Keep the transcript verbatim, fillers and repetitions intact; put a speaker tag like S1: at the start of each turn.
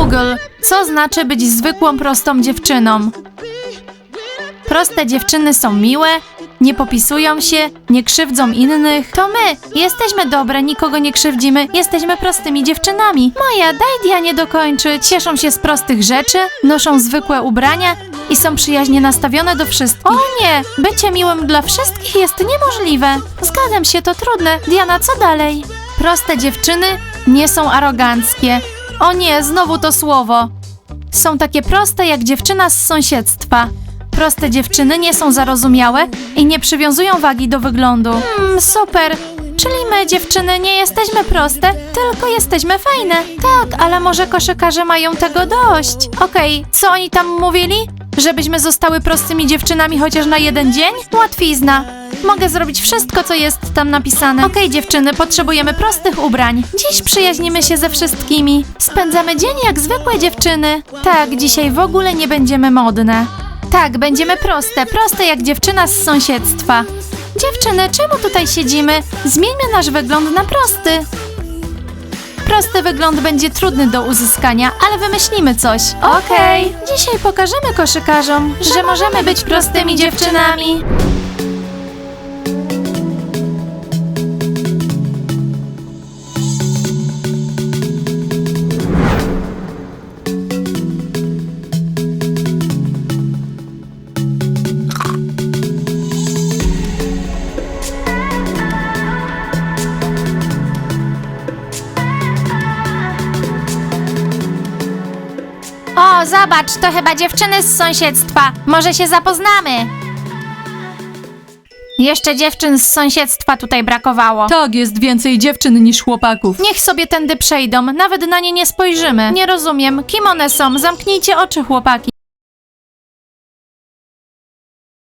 S1: Google, co znaczy być zwykłą, prostą dziewczyną? Proste dziewczyny są miłe, nie popisują się, nie krzywdzą innych. To my, jesteśmy dobre, nikogo nie krzywdzimy, jesteśmy prostymi dziewczynami. Maja, daj Dianie dokończyć. Cieszą się z prostych rzeczy, noszą zwykłe ubrania i są przyjaźnie nastawione do wszystkich. O nie, bycie miłym dla wszystkich jest niemożliwe. Zgadzam się, to trudne. Diana, co dalej? Proste dziewczyny nie są aroganckie. O nie, znowu to słowo. Są takie proste jak dziewczyna z sąsiedztwa. Proste dziewczyny nie są zarozumiałe i nie przywiązują wagi do wyglądu. Hmm, super. Czyli my, dziewczyny, nie jesteśmy proste, tylko jesteśmy fajne. Tak, ale może koszykarze mają tego dość. Okej, co oni tam mówili? Żebyśmy zostały prostymi dziewczynami chociaż na jeden dzień? Łatwizna. Mogę zrobić wszystko, co jest tam napisane. Okej, dziewczyny, potrzebujemy prostych ubrań. Dziś przyjaźnimy się ze wszystkimi. Spędzamy dzień jak zwykłe dziewczyny. Tak, dzisiaj w ogóle nie będziemy modne. Tak, będziemy proste, proste jak dziewczyna z sąsiedztwa. Dziewczyny, czemu tutaj siedzimy? Zmieńmy nasz wygląd na prosty. Prosty wygląd będzie trudny do uzyskania, ale wymyślimy coś. Okej. Okay. Dzisiaj pokażemy koszykarzom, że, że możemy być prostymi dziewczynami. O, zobacz, to chyba dziewczyny z sąsiedztwa. Może się zapoznamy. Jeszcze dziewczyn z sąsiedztwa tutaj brakowało.
S2: Tak, jest więcej dziewczyn niż chłopaków.
S1: Niech sobie tędy przejdą, nawet na nie nie spojrzymy. Nie rozumiem, kim one są? Zamknijcie oczy, chłopaki.